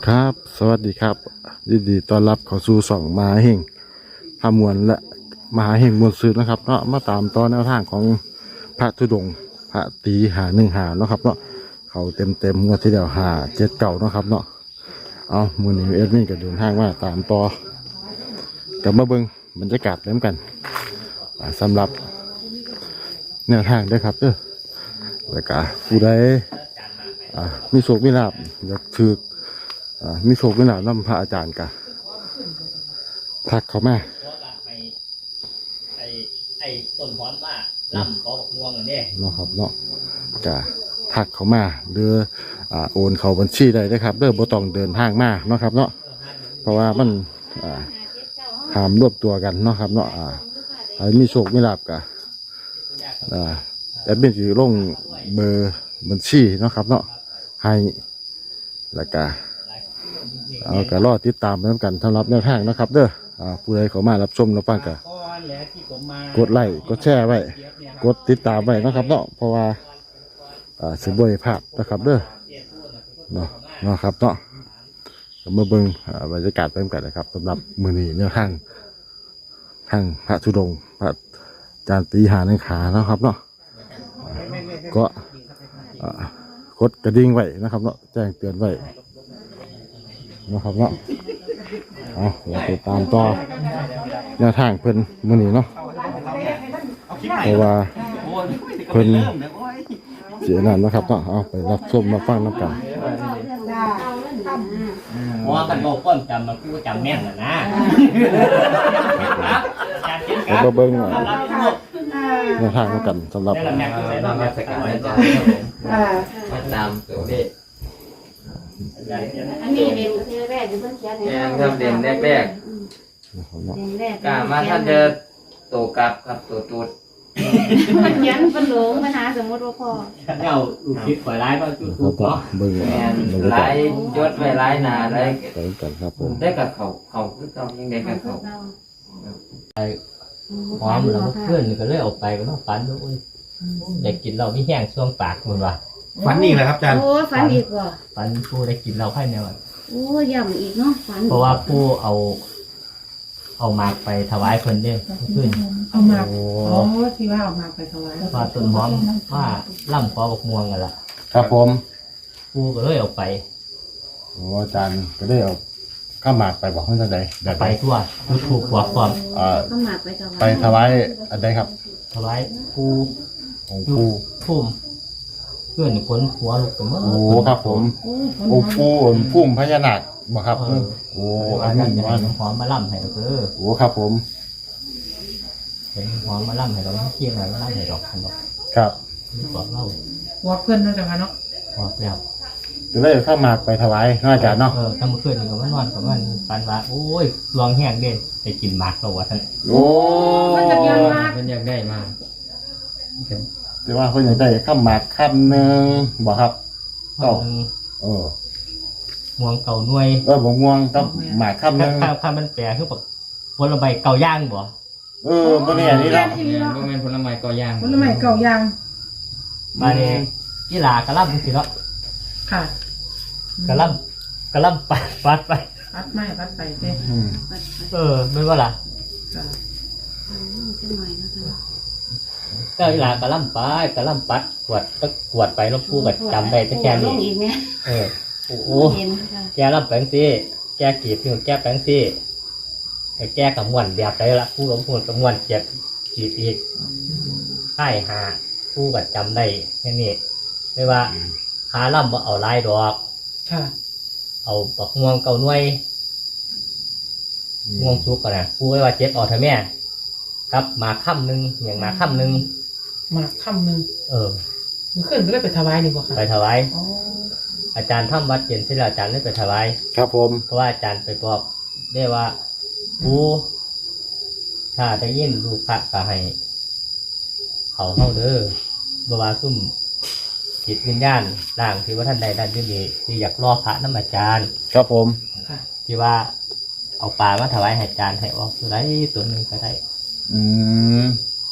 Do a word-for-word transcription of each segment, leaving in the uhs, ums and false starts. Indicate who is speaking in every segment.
Speaker 1: ครับสวัสดีครับยินดีต้อนรับเข้าสู่สองมหาเฮงพามวลและมหาเฮงมวลซื้อนะครับเนาะมาตามต่อแนวทางของพระธุดงค์พระตีหาหนึ่งหาเนาะครับเนาะเขาเต็มเต็มงวดที่เดียวหาเจ็ดเก่าเนาะครับเนาะเอามือนี้เอ็ดมี่ก็เดินทางมาตามต่อกับมาเบิ้งบรรยากาศเล่มกันสำหรับแนวทางด้วยครับเด้อแล้วก็ผู้ใดมีโชคมีลาภอยากถือมีโชคมีลาภนำพระอาจารย์กะทักเขามา
Speaker 2: ไอ้ไอ้ต้นพรว่าล่ำขอบอกง่วงอันนี้
Speaker 1: เนาะครับเนาะกะทักเขามาหรืออ่าโอนเขาบัญชีได้เลยครับเด้อบ่ต้องเดินทางมาเนาะครับเนาะเพราะว่ามันอ่าหามรวบตัวกันเนาะครับเนาะอ่าใครมีโชคมีลาภกะอ่าแอดมินสิลงเบอร์บัญชีเนาะครับเนาะให้แล้วก็เอากระรอติดตามไปด้วยกันสำหรับแนวทางนะครับเด้ออ่าผู้ใดเขามารับชมรับฟังกันกดไลค์กดแชร์ไว้กดติดตามไว้นะครับเนาะเพราะว่าอ่าสิบ่ได้พลาดนะครับเด้อเนาะเนาะครับเนาะมาเบิ่งบรรยากาศไปกันนะครับสำหรับมื้อนี้แนวทางทางพระธุดงค์พระอาจารย์ตีหาหนึ่งขาเนาะครับเนาะก็กดกระดิ่งไว้นะครับเนาะแจ้งเตือนไว้นะครับเนาะเอาเราไปตามต่อแนวทางเพิ่นมื้อนี้เนาะเพราะว่าเพิ่นเสียนั่นนะครับเนาะเอาไปรับชมมาฟังน้ำกัน
Speaker 2: เพราะว่ากันบอกก้อนจำมันกูจำแม่นนะนะ
Speaker 1: แล้วก็เบิ่งแนวทางกันสำหรับ
Speaker 2: ตามตัวเลข
Speaker 3: อันนี้เด่นเทแรกอยู่เพิ่งเขียน
Speaker 4: แรงครับเด่นแรกแรกกามาท่านจะโตกลับครับโตตูด
Speaker 3: มันเขียนเป็นหลงปัญหาสมมติว่าพอ
Speaker 2: เอาลูกคิดปล่อยร้ายก็จุดถูกเนาะ
Speaker 1: เบิ่ง
Speaker 4: ไล่ยศไว้ไล่นาไล่
Speaker 1: ไปกันครับผม
Speaker 4: ได้กับเขาเขาคือเขายังได้กับเขา
Speaker 2: หอมแล้วเพื่อนก็เลยออกไปก็ต้องฝันด้วยได้กินเราไม่แห้งช่วงปากมันว่ะ
Speaker 5: ฝันนี่แหละครับอาจารย์
Speaker 3: โอ้ฝันอีกว่ะ
Speaker 2: ฝันผู้ได้กินเราให้แนว
Speaker 3: โอ้ย่ำอีกเนาะฝัน
Speaker 2: เพราะว่าผู้เอาเอามากไปถวายเพิ่นเด้ขึ้น
Speaker 6: เอามากอ๋อที่ว่าเอามากไปถวาย
Speaker 2: ว่าต้นหอมว่าล่ำขอบอกม่วงกันล่ะ
Speaker 1: ครับผม
Speaker 2: ผู้ก็เลยเอาไป
Speaker 1: โอ้อาจารย์ก็ได้เอาข้ามหมากไปบอกเพื่อนใด
Speaker 2: ไปทั่วทุกถูกกว่าความ
Speaker 3: ข้ามหมากไปถวาย
Speaker 1: ไปถวายอันใดครับ
Speaker 2: ถวายผู้
Speaker 1: ของผู้
Speaker 2: พุ่มเพื่อนคนหัวลูกกันมั้ง
Speaker 1: โอ้ครับผมโอ้ผู้พุ่มพญานาคบ่ครับโอ้
Speaker 2: อันนั้นอันหอมมาล่ำให้เราเออ
Speaker 1: โอ้ครับผม
Speaker 2: เห็นหอมมาล่ำให้เราเที่ยงอะไรมาล่ำให้ดอกกันดอก
Speaker 1: ครับ
Speaker 2: บอกเล่า
Speaker 6: ว่าเพื่อนน่าจะมาเนาะ
Speaker 2: บอกแล้ว
Speaker 1: จะได้ข้ามหมากไปถวายน่าจะเนาะ
Speaker 2: เออถ้าเมื่อคืนนี่ก็มันนอนกับมันปันว่าโอ้ยลองแห้งเด่นไปกินหมากตัววะท่าน
Speaker 1: โอ้
Speaker 6: มันจะยังมาก
Speaker 4: มันอยากได้มาก
Speaker 1: แต่ว่าเพื่อนอยากได้ข้ามหมากคำหนึ่งบ่ครับ
Speaker 2: เก่า
Speaker 1: เออ
Speaker 2: ม่วงเก่าหน่วย
Speaker 1: เออบ่ม่วงต้องหมากคำหนึ่ง
Speaker 2: ข้าวข้าวมันแปรคือแบบผลไม้เก่าย่างบ่
Speaker 1: เออบ่เนี่ยนี่เนาะ
Speaker 4: บ่แม่นผลไม้เก่าย่าง
Speaker 6: ผลไม้เก่าย่าง
Speaker 2: มาเนี่ยกีฬากระล่ำสิเนาะ
Speaker 6: ค่ะ
Speaker 2: กระล่ำกระล่ำปัดปัดไป
Speaker 6: ปัดไม่ปัดไปเด้
Speaker 2: เออไม่ว่าล่ะเจ้าอีหลากระล่ำไปกระล่ำปัดกวดก็กวดไปแล้วพูดแบบจำได้แต่แค่นี้เออโอ้โหแกล่ำแปลงซีแกกีบที่แกแปลงซีแกกับม้วนแบบไรละพูดกับพูดกับม้วนเจ็บกีบอีกใช่หาพูดแบบจำได้แค่นี้ไม่ว่าขาล่ำว่าเอาลายดอกเอาปักม่วงเก่าหน่วยม่วงสุกก่อนนะพูดไว้ว่าเจ็บออกเถอะแม่ครับมาค่ำหนึ่งอย่างมาค่ำหนึ่ง
Speaker 6: มาค่ำหนึ่ง
Speaker 2: เออ
Speaker 6: มันขึ้นก็ได้ไปถวายนี่บ่ค่ะ
Speaker 2: ไปถวายอาจารย์ทำวัดเย็นที่อาจารย์ได้ไปถวาย
Speaker 1: ครับผม
Speaker 2: เพราะว่าอาจารย์ไปบอกได้ว่าผู้ถ้าจะยินลูกพระก็ให้เขาเข้าเด้อบวาซุ่มจิตวิญญาณร่างที่ว่าท่านใดท่านที่มีที่อยากรอพระน้ำอาจารย์
Speaker 1: ครับผม
Speaker 2: ที่ว่าเอาปลามาถวายให้อาจารย์ให้ออกตัวใดตัวหนึ่งก็ได้
Speaker 1: อืม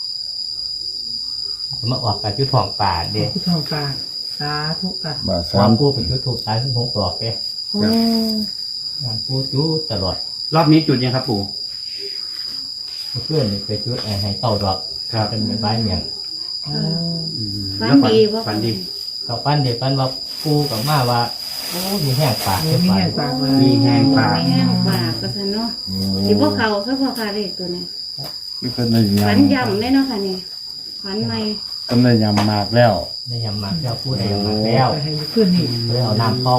Speaker 2: มาออกกับจุดทองป่าเด็ก
Speaker 6: จุดทองป่าสาธุค่ะ
Speaker 1: มา
Speaker 2: สามผู้เป็นจุดถูกสายถึงหกดอกเด้
Speaker 6: โอ้
Speaker 2: งานปูจูตลอด
Speaker 5: รอบนี้จุดยังครับปู่
Speaker 2: เพื่อนนี่ไปจุดให้เต้าดอก
Speaker 5: ครับ
Speaker 2: เป็นใบไม้อย่าง
Speaker 6: โอ้
Speaker 5: อืม
Speaker 3: ฝัน
Speaker 5: แล้วฝัน
Speaker 3: ดีบ่
Speaker 5: ฝันดี
Speaker 2: กับปั้นเด็กปั้นว่าปูกับมาว่าโอ้มีแห้งปาก
Speaker 6: โห
Speaker 2: เป็น
Speaker 6: มี
Speaker 2: ฝัน
Speaker 6: แห้งปากมา
Speaker 5: มีแห้งปาก
Speaker 3: มีแห้งปากก็ซั่นเนาะสิบ่เข้าซะพอค่ะเลขตัวนี้
Speaker 1: นี่เพิ่นได้ยำ
Speaker 3: ฝันย่ำเลยเนาะค่ะนี่ฝันใหม่
Speaker 1: เพิ่นได้ยำมากแล้ว
Speaker 2: ได้ยำหมักแล้วพูดได้ยำหมักแล้ว
Speaker 6: ไปให้ขึ้นนี่
Speaker 2: เลยเอาน้ำเปล่า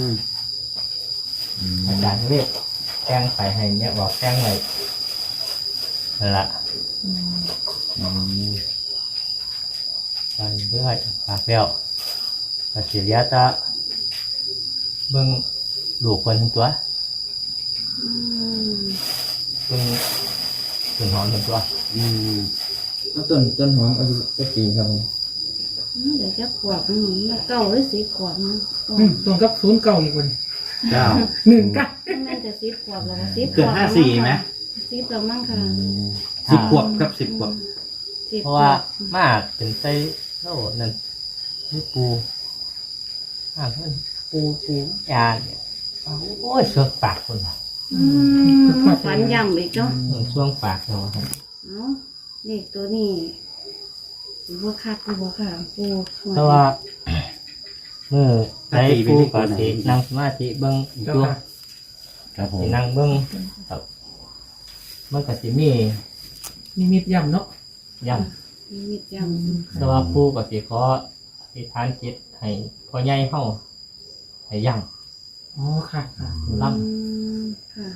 Speaker 2: อาจารย์เรียกแกงไปให้เนี่ยบอกแกงไว้นั่นละ
Speaker 6: อืม
Speaker 1: อืม
Speaker 2: ไปเรื่อยปากแล้วก็เสียจะเบิ่งลูกคนทั้งตัว
Speaker 3: อืม
Speaker 2: เบิ่งต้นหอมทั้งตัว
Speaker 5: อืม
Speaker 4: ต้นต้นหอมอายุจะปีครับผม
Speaker 3: เดี๋ยวจะขวบอืมเก้าหรือสิบขวบเนาะ
Speaker 6: อืมตรงกับศูนย์เก่าอีกคน
Speaker 5: เก้า
Speaker 6: หนึ่งเก้า
Speaker 3: แม่นจะสิบขวบแล้วก็สิบข
Speaker 5: เกิ
Speaker 3: ว
Speaker 5: ด
Speaker 3: บ
Speaker 5: ห้าสี่ไหม
Speaker 3: สิบแล้วมั้งค่ะ
Speaker 5: สิบขวบครับสิบขวบ
Speaker 3: สิบ
Speaker 2: เพราะว่ามาเป็นไส้โล่นั่นนี่ปูอ่าเพื่อนปูปูยาเนี่ยโอ้ยช่วงปากคนละ
Speaker 3: อืมฝันย่ำอีกเนาะ
Speaker 2: อืมช่วงปากเนาะครับ
Speaker 3: เอ้าเลขตัวนี้บัวคัดบัวค่ะปู
Speaker 2: เพราะว่าเมื่อได้ปูปกตินั่งสมาธิเบิ้งอีก
Speaker 6: เจ้า
Speaker 2: ตัว
Speaker 6: ค่ะ
Speaker 1: ครับผม
Speaker 2: สินั่งเบิ้งครับมันก็สิมี
Speaker 6: มีมิดย่ำเนาะ
Speaker 2: ย่
Speaker 3: มีมิดย่
Speaker 2: ำแต่ว่าปูก็สิขออธิษฐานจิตให้พ่อใหญ่เฮาให้ย่
Speaker 6: อ๋อค่ะค่ะ
Speaker 3: ำ
Speaker 2: ำล่
Speaker 3: อืมค่ะ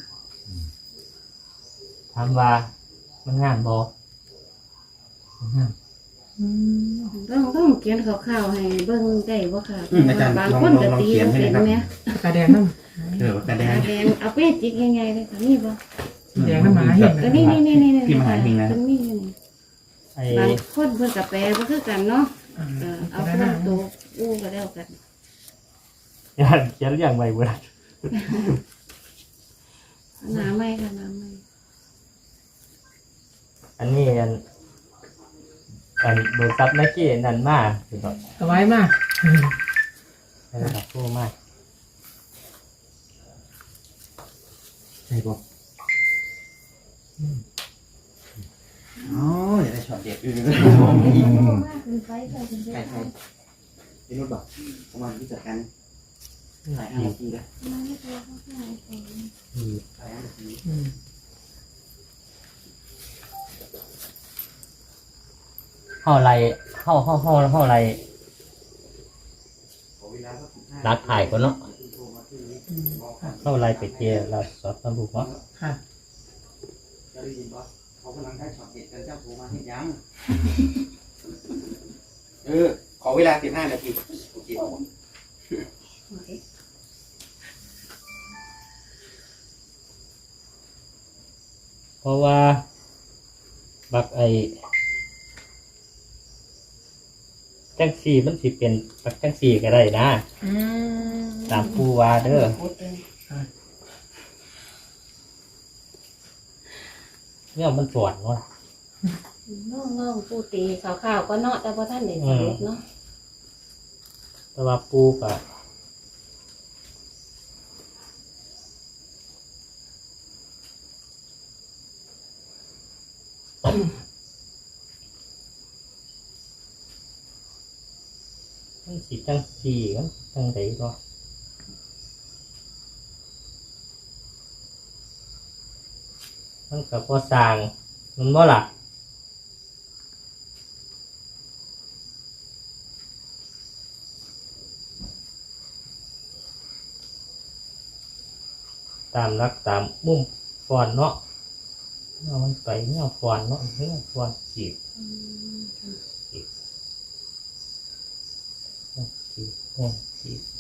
Speaker 2: ำถามว่ามันงามบ่มันงาม
Speaker 6: อืม
Speaker 3: ต้องต้องเขียนข่าวๆให้เบิ่งได้บ่ค่ะ
Speaker 5: อืมอาจารย์
Speaker 3: บาง
Speaker 5: ลอง
Speaker 3: คน
Speaker 5: ลอง
Speaker 3: ก็
Speaker 5: ลอง
Speaker 3: ตี
Speaker 5: เขียนให้หน่
Speaker 3: เป็
Speaker 5: อย
Speaker 3: น
Speaker 5: ครับ
Speaker 3: ไหม
Speaker 6: ปากกาแดงน้
Speaker 5: เออแต่แด
Speaker 3: ตาง แดงเอาไปจิกยังไงเลยค่ะนี่บ่
Speaker 6: ำสีแดงน้ำหมาเห็น
Speaker 3: ก็
Speaker 6: นะ
Speaker 3: นี่นี่นี่นี่นี่
Speaker 5: พี่มหาหิงนะ
Speaker 3: เพิ่นมีอยู่นี่
Speaker 2: ไอ้
Speaker 3: บางคนเพิ่นก็แปลบ่คือกันเนาะ
Speaker 6: อ่า
Speaker 3: เออเอา
Speaker 6: ปาก
Speaker 3: ค
Speaker 6: กาแดง
Speaker 3: นตัวอู้ก็แล้วกัน
Speaker 2: ยานเขียนอย่างไรบ่ได้
Speaker 3: หนาไม่ค่ะหนาไม่
Speaker 2: อันนี้อันอันเบอร์ซับนักกี้นั่นมาคือแบบ
Speaker 6: สบายมาก
Speaker 2: ให้ระดับผู้มาก
Speaker 5: ใช่ปะอ๋อเดี๋ยวได้ช็อตเด็ดอือ
Speaker 3: ขึ้นไปค่ะขึ้นไป
Speaker 5: ใช่ใช่พี่นุชบอกประมาณที่จัดการหลายห้านาทีแล้ว
Speaker 2: อืม
Speaker 5: หลายห้านาที
Speaker 6: อืม
Speaker 2: เข้าไรเข้าเข้าเข้าเข้าไร
Speaker 5: ขอเวลาสักสิบห้า
Speaker 2: รักถ่ายก่อนเนาะ
Speaker 6: อืมค่ะ
Speaker 2: เข้าไรไปเจอเราสอบตำรวจเนาะ
Speaker 6: ค่ะ
Speaker 5: จะได้ยินปะเขากำลังได้ช็อตเด็ดกันเจ้าโทรมาให้ยังเออขอเวลาสิบห้านาทีโอเค
Speaker 2: เพราะว่าบักไอจังสี่มันสิเป็นบักจังสี่ก็ได้นะ
Speaker 6: อืม
Speaker 2: ตามผู้ว่าเด้อเนี่ยมันปวดเนาะ
Speaker 3: น้องน้องปูตีข่าวๆก็เนาะแต่พอท่านได้สรุปเนาะ
Speaker 2: แต่ว่าปูก็มันสิจังสี่กันจังไดเนาะมันกับพอสร้างมันบ่ล่ะตามรักตามมุมฟอนเนาะเอามันไปเนี่ยฟอนเนาะเนี่ยฟอนจีบจีบจีบเนี่ยจีบ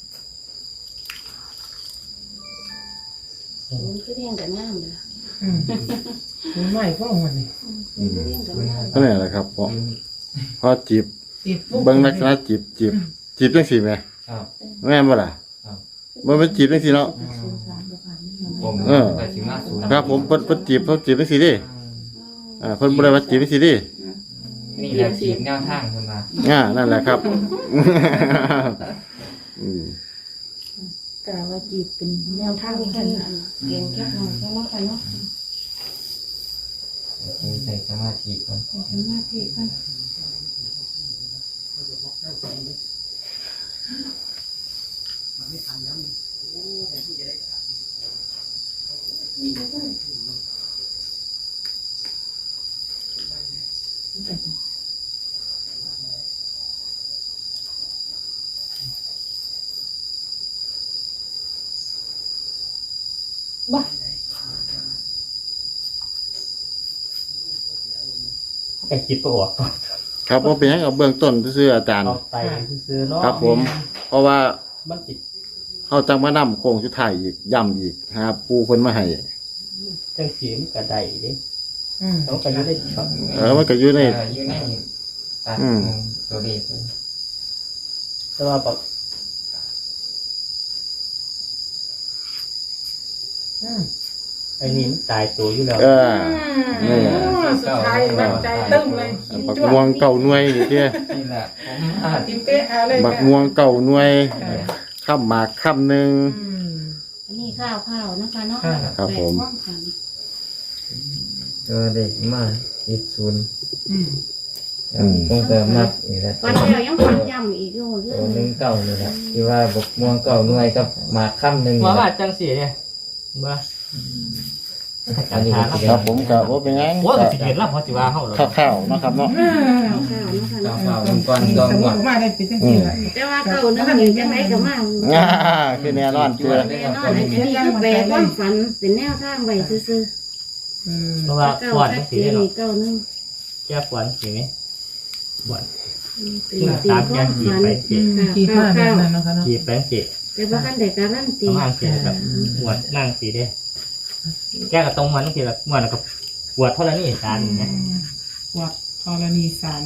Speaker 3: มันคือเรียงกับน้ำเลย
Speaker 6: อืมมันไม่ก็วันนี้
Speaker 3: มันคือเรียงกับน้ำ
Speaker 1: ก็นี่แหละครับพอพอจีบ
Speaker 6: ติดปุ๊บ
Speaker 1: เบิ่งลักษณะจีบจีบจีบจังซี่แหม
Speaker 4: ครับ
Speaker 1: แม่นบ่ล่ะ
Speaker 4: ครับ
Speaker 1: บ่เป็นจีบจังซี่เนาะ
Speaker 4: ผม
Speaker 1: เออ
Speaker 4: ไปถึงมาศูนย์
Speaker 1: ครับผมเพิ่นเพิ่นจีบเพิ่นจีบจังซี่ดิอ่าเพิ่นบ่ได้ว่าจีบจังซี่ดิ
Speaker 4: นี่แหละฉีกแนวทางขึ้นมา
Speaker 1: อ่านั่นแหละครับอืม
Speaker 7: กะว่าจีบเป็นแนวทาง
Speaker 3: ทำ
Speaker 7: กั
Speaker 3: กัน น
Speaker 7: นะ
Speaker 3: เก่งแค่หน่อยแค่ว่ากันเนาะ
Speaker 4: ใส่สมาธิก่อน
Speaker 3: ใส่สมาธิกัน
Speaker 2: บ้าไอ้คิดประออก
Speaker 1: ครับผมเป็นให้เอาเบื้องต้นซื่อๆอาจารย์
Speaker 2: เอาไปซื้อเนาะ
Speaker 1: ครับผม เพราะว่า
Speaker 2: มันติด
Speaker 1: เขาจังมานํโค้งสุดท้ายอีกย่ำอีกนะครับปูเพิ่นมาให้
Speaker 2: จังสีมันกระไดเด้
Speaker 6: อืม
Speaker 2: ต้องไปอยู่ได้ช็อต
Speaker 1: เออมันก็อยู่ใน
Speaker 4: เอออยู่ในตัด
Speaker 1: อืม
Speaker 4: ตัวเลขเลย
Speaker 2: แต่ว่าแบบ
Speaker 6: อืม
Speaker 2: ไอ้นี่มันตายตัวอยู่แล้ว
Speaker 1: เออ นี่
Speaker 6: โอ้สุดท้ายมั่นใจตึ้งเลย
Speaker 1: บักม่วงเก่าหน่วยนี่เด้อ
Speaker 4: นี่แหละผมอ่า
Speaker 6: ติมเป๊ะอะไร
Speaker 1: บักม่วงเก่าหน่วยข้ามหมากข้ามหนึง
Speaker 6: อืม
Speaker 3: อันนี้ข้าวข้าวนะคะเนาะ
Speaker 1: ครับผม
Speaker 3: แปลกกัน
Speaker 4: ตัวเลขมาเจ็ดศูนย์
Speaker 6: อืม
Speaker 4: คงจะมักอีกแล้ว
Speaker 3: วันเดียวยังฝันย้ำอีกอยู่เรื่
Speaker 4: ตั
Speaker 3: อ
Speaker 4: ว
Speaker 3: ง
Speaker 4: หนึ่งเก่านี่แหละที่ว่าบกม่วงเก่าหน่วยกับหมากค่ำหนึ่ง
Speaker 2: ว่า
Speaker 4: นี่แห
Speaker 2: ว่า
Speaker 4: ละ
Speaker 2: จังสีเนี่ยมา
Speaker 4: อันนี้ก็สิ
Speaker 1: ครับผมก็บ่เป็นหยัง
Speaker 2: โอ้ยมันสิเห็นแล้วพอสิว่าเฮาเหรอ
Speaker 1: ข้าวๆเนาะครับเนาะ
Speaker 3: ข้าวข้าวนะคะ
Speaker 4: เก่า
Speaker 3: เนาะ
Speaker 4: เก่าองค์กร
Speaker 6: ส
Speaker 4: กอง
Speaker 6: มม
Speaker 4: หม
Speaker 6: ติ
Speaker 4: ด
Speaker 6: ว่าได้เป็นจังซี่แหละ
Speaker 3: แต่ว่าเก่านึงนี่จังไรก็มา
Speaker 1: ง่าคือแน่นอนเชื่อ
Speaker 3: แน่นอนอันนี้คือแปลความฝันเป็นแนวทางไว้ซื่อ
Speaker 6: อืม
Speaker 2: เพราะ
Speaker 3: ๆ
Speaker 2: ว่า
Speaker 3: เก่า
Speaker 2: ปวด
Speaker 3: ชั
Speaker 2: จั
Speaker 3: ด
Speaker 2: ง
Speaker 3: เจ
Speaker 2: สี
Speaker 3: น
Speaker 2: เนาะ
Speaker 3: นี่เก่านึง
Speaker 2: แก้ปวดสีไหมปวด
Speaker 3: ตีตีความฝัน
Speaker 6: อืมกี่ผ้าแบบนั้นเนาะคะเนาะ
Speaker 2: ขีดแปลงสี
Speaker 3: แต่ว่าขั้นใดการันตี
Speaker 2: ประมาณสีแบบปวดนั่งสีเด้แก้กับตรงมันทีละปวดแล้วก็ปวดเท่าไรนี่สารอย่างเงี้ย
Speaker 6: ปวดธรณีสาร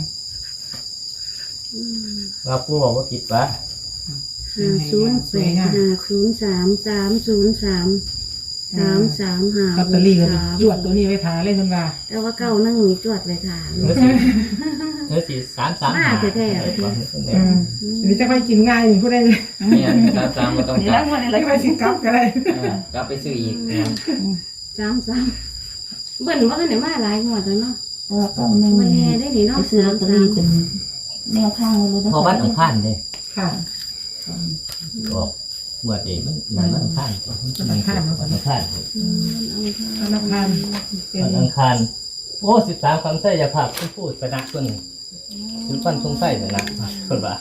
Speaker 2: ว่าผู้บอกว่าผิดวะ
Speaker 3: ห้าศูนย์แปดห้าศูนย์สามสามศูนย์สามสามสามห้า
Speaker 6: ลอตเตอรี่ก็
Speaker 3: สาม
Speaker 6: จวดตัวนี้ไว้ทาเลยคุณว่า
Speaker 3: แต่ว่าเก่านั่งมีจวดไปทาน
Speaker 2: เนื้อสีเนื้อสีสามสาม
Speaker 3: มาแท้ๆ
Speaker 6: อืมอันนี้จะไปกินง่ายนี่ผู้ใดเลย
Speaker 4: เนี่ยตามตามมาต้อง
Speaker 3: นี่
Speaker 4: กลั
Speaker 3: แล้
Speaker 4: บ
Speaker 3: ววันอะไร
Speaker 6: ไม่ไปสิกลับก็ได้
Speaker 4: เออกลับไปซื้ออีกนะครับ
Speaker 3: สามสามเบิ่นว่ากันไหนมาหลายหัวแล้วเนาะ
Speaker 7: เออต้องหนึ่ง
Speaker 3: วันนี้ได้หนิเนาะ
Speaker 7: ไปซื้อลอตเตอรี่เป็นแนวทางไว้เลยนะ
Speaker 2: พอวันอังคารเลย
Speaker 6: ค่ะ
Speaker 2: ออกปวดเองมันมันอังคารวันอังคารวันอังคาร
Speaker 3: อืม
Speaker 6: ธนาคารเป็น
Speaker 2: วันอังคารโอ้สิบสามคำใส่ยาผักผู้พูดชนะคนศิลปันทรงไส้ชนะคนว่า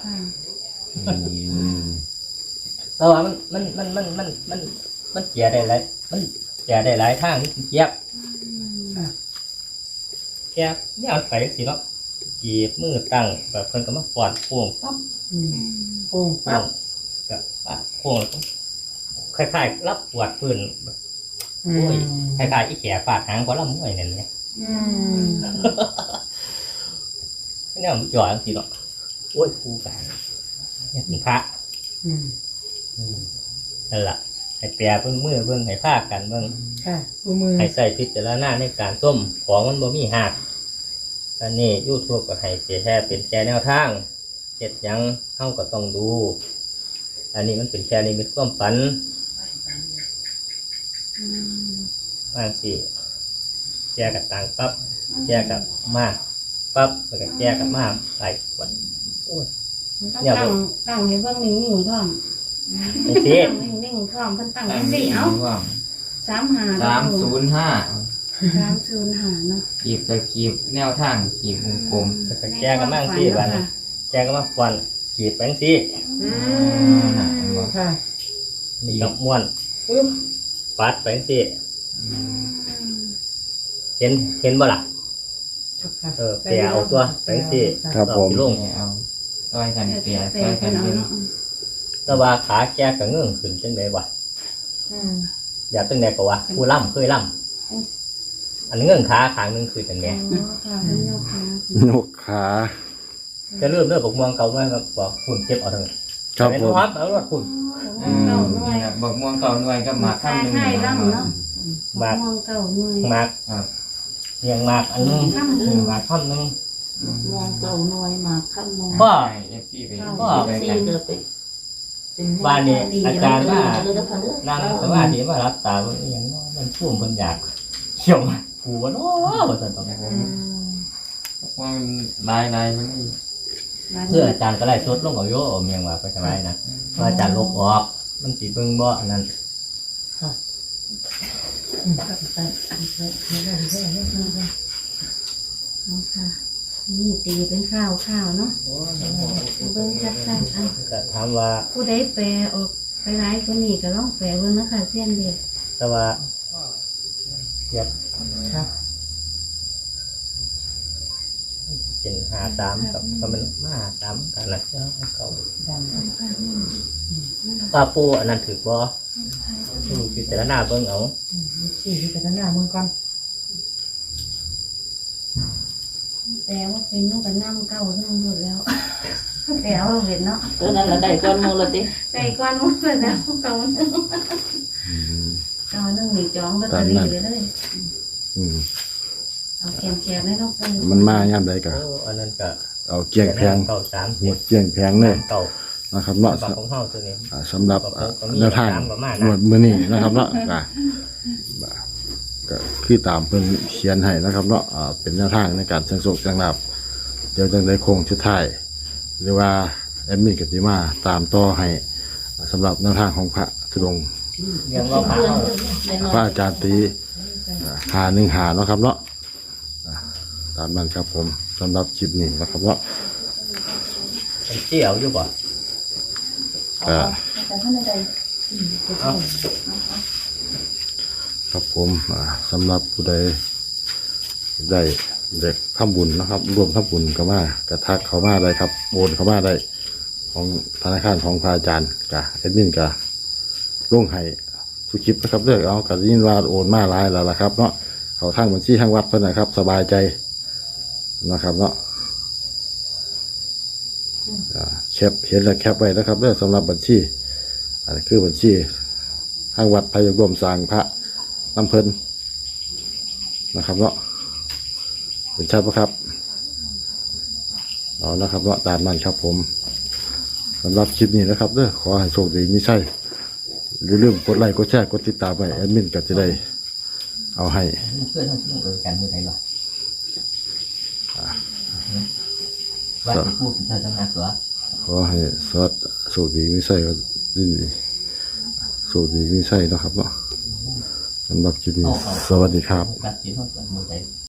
Speaker 2: แต่ว่ามันมันมันมันมันมันมันเจียได้หลายมันเจียได้หลายทางเจี๊ยบแกเนี่ยเอาไปสิเนาะจีบมือตั้งแบบเพิ่นก็มาปอดโป่งปั๊บ
Speaker 6: อืมโป่ง
Speaker 2: โป่
Speaker 6: ปั๊บ
Speaker 2: งแบบปะโป่งคล้ายๆรับปวดพื้น
Speaker 6: อื
Speaker 2: โอ้ย
Speaker 6: ม
Speaker 2: คล้ายๆอีแขฟาดหางก็ลำมวยนั่นไง
Speaker 6: อืม
Speaker 2: เนี่ยมันจ่อยสิเนาะโอ้ยครูกันเนี่ยเป็นพระ
Speaker 6: อืม
Speaker 2: นั่นแหละให้แปรเบิ่งมือเบิ่งให้ภาคกันเบิ่ง
Speaker 6: ค่ะตัวมือ
Speaker 2: ให้ใส่พิจารณาในการต้มของมันบ่มีหักอันนี้ยูทูบก็ให้เสียแค่เป็นแค่แนวทางเฮ็ดหยังเฮาก็ต้องดู อันนี้มันเป็นแค่นิมิตความฝันบางสิแก้กับต่างปั๊บแก้กับมากปั๊บแล้วก็แก้กับมากหลายวัน
Speaker 3: ต้องตั้งตั้งให้เบิ่งนิ่งๆพร้อม
Speaker 2: จังซี่
Speaker 3: ตั้งนิ่งๆพร้อมเพิ่นตั้งจังซี่เอ้า
Speaker 4: ว่า
Speaker 3: สามห้า
Speaker 4: สามศูนย์ห้า
Speaker 3: สามศูนย์ห้าเนาะ
Speaker 4: กีบตะกีบแนวทางกีบวงกลม
Speaker 2: แล้วก็แก้กับมากสิวันแก้กับมากวันขีดแปงสิ
Speaker 3: อื
Speaker 4: อ่า
Speaker 3: ม
Speaker 6: ค่ะ
Speaker 2: นี่กับม้วน
Speaker 6: ปึ๊บ
Speaker 2: ปัดแปงสิเห็นเห็นบ่ล่ะ
Speaker 6: ค่ะ
Speaker 2: เออแปรเอาตัวแปงสิ
Speaker 1: ครับผม
Speaker 2: ลง
Speaker 4: เอาซอยกันเปีย
Speaker 3: แต่
Speaker 4: ซอยกั
Speaker 3: เพิ่
Speaker 4: น
Speaker 3: นเอา
Speaker 4: เปีย
Speaker 3: เนาะ
Speaker 2: แต่ว่าขาแก้กับเงื่อนขึ้นจังไดวะ
Speaker 6: อืม
Speaker 2: อยากตั้งแต่ก็ว่าผู้ล่ำเคยล่ำอันเงื่อนขาขางหนึงคือจังไง
Speaker 3: อ๋อค่ะเพิ่นเอาค่ะ
Speaker 1: นกขา
Speaker 2: จะเริ่มเริ่มบอกมองเก่ามาก็บอกคุณเก็บเอาเถอะ
Speaker 1: ครับ
Speaker 2: เป็น
Speaker 1: ผม
Speaker 2: ฮอตเอารถคุณ
Speaker 4: อืมนี่นะบอกม่วงเก่าหน่วยกับหมากค่ำหนึ่ง
Speaker 3: ใช่
Speaker 4: นี่
Speaker 3: ล่ำเนาะ
Speaker 2: มาก
Speaker 3: มองเก่าหน่วย
Speaker 2: มาก
Speaker 4: ครับ
Speaker 2: เรียงมากอันนึง
Speaker 3: ค่ำหนึ่ง
Speaker 2: มากท่อนนึง
Speaker 7: มองเก่าหน่วยมาข้ามมอง
Speaker 2: พ่อ
Speaker 4: เอฟซีไป
Speaker 2: พ่อ
Speaker 4: ไป
Speaker 7: สี่
Speaker 4: กัน
Speaker 7: เกิดไป
Speaker 6: เป็น
Speaker 2: บ้านนี้อาจารย์ว่า
Speaker 7: เลยนะค่ะเด้อ
Speaker 2: นั่งสมาธิมารับตามันอหยังเนาะมันพุ่มเพิ่นอยากเขี่ยวมากูว่าเนาะว่าซั่นต้อง
Speaker 6: อืม
Speaker 4: ว่ามันลายลายมัน
Speaker 2: เพื่ออาจารย์ก็ไล่สดลงเอาโยเอาเมียงว่าไปทำไมนะว่าอาจารย์ลบออกมันสิเบิ่งบ่อันนั้น
Speaker 3: เอาค่ะ นี่ตีเป็นข้าวข้าวเนาะเบิ้งชัดๆอัน
Speaker 2: ก็ถามว่า
Speaker 3: ผู้ใดแปลออกไปร้ายคนนี้ก็ลองแปลเบิ้งนะคะเส้นเด็ก
Speaker 2: แต่ว่าเทียบ
Speaker 6: ค่ะ
Speaker 2: เป็นหาสามกับก็มันมาหาสามกันละเจ้าเก่าปลาปูอันนั้นถือบ่ดูพิจารณาเบิ่งเอา
Speaker 6: สี่ที่จะหน้ามึงก่อน
Speaker 3: แปลว่าเป็นนู่นกับน้ำเก่าทั้งหมดแล้วแปลว่าเป็นเนาะ
Speaker 7: ตัวนั้นละได้ก้อนหมูละติ
Speaker 3: ใส่ก้อนหมดเลยแล้วเก่าหนึ่ง
Speaker 1: อืม
Speaker 3: เก่าหนึ่งนี่จองลอตเตอรี่เลยเลย
Speaker 1: อืม
Speaker 3: เอาแคมๆให้น้องปู
Speaker 1: มันมายามใดก็
Speaker 2: โอ้อันนั้นก็
Speaker 1: เอาเกี่ยงแพง
Speaker 2: เก่าสาม
Speaker 1: หมดเกี่ยงแพงเลย
Speaker 2: เก่า
Speaker 1: นะครับเนาะ
Speaker 2: ปากของเฮาตัวนี้
Speaker 1: อ่าสำหรับอ่า
Speaker 2: ก็มี
Speaker 1: แนวทาง
Speaker 2: ตามประมาณ
Speaker 1: หม
Speaker 2: นะ
Speaker 1: วดมือนี้นะครับเนาะก็บ่าก็คือตามเพิ่นเขียนให้นะครับเนาะอ่าเป็นแนวทางในการเสี่ยงโชคเสี่ยงลาภเดี๋ยวจังได้โค้งชุดท้ายหรือว่าแอดมินกติมาตามต่อให้สำหรับแนวทางของพระธุดงค์
Speaker 2: ยังว่าพาเฮา
Speaker 1: พระอาจารย์ตีอ่าหาหนึ่งหาเนาะครับเนาะอ่าตามนั้นครับผมสำหรับคลิปนี้นะครับเนาะ
Speaker 2: เป็นเกี่ยวอยู่บ่
Speaker 1: ก็
Speaker 7: แต่ท่านใด
Speaker 2: เอา
Speaker 1: ครับผมอ่าสำหรับผู้ใดได้เด็กทำบุญนะครับรวมทำบุญก็มากระทักเขามาได้ครับโอนเขามาได้ของธนาคารของพระอาจารย์กะเอ็ดมินกะลงให้สุคลิปนะครับเลือกเอากะยินว่าโอนมาหลายแล้วล่ะครับเนาะเขาทางบัญชีทางวัดเพิ่นนะครับ สบายใจนะครับเนาะอ่าแคปเห็นแล้วแคปไว้นะครับเลือกสำหรับบัญชีอันนี้คือบัญชีทางวัดพายรวมสร้างพระน้ำเพิ่นนะครับเนาะเป็นชัดปะครับเอานะครับเนาะตามนั้นครับผมสำหรับคลิปนี้นะครับเด้อขอให้โชคดีไม่ใช่อย่าลืมกดไลค์กดแชร์กดติดตามไปแอดมินก็จะได้เอาให้
Speaker 2: เพื่อนเฮาสิลงเอิ้นกันมื้อใดบ่ว่าสิพูดเป็นทางงานตัว
Speaker 1: ขอให้สวัสดีโชคดีไม่ใช่ก็ดีโชคดีไม่ใช่นะครับเนาะสำหรับคลิปนี้สวัสดีครับ
Speaker 2: ตัดสินเฮากันมื้อใด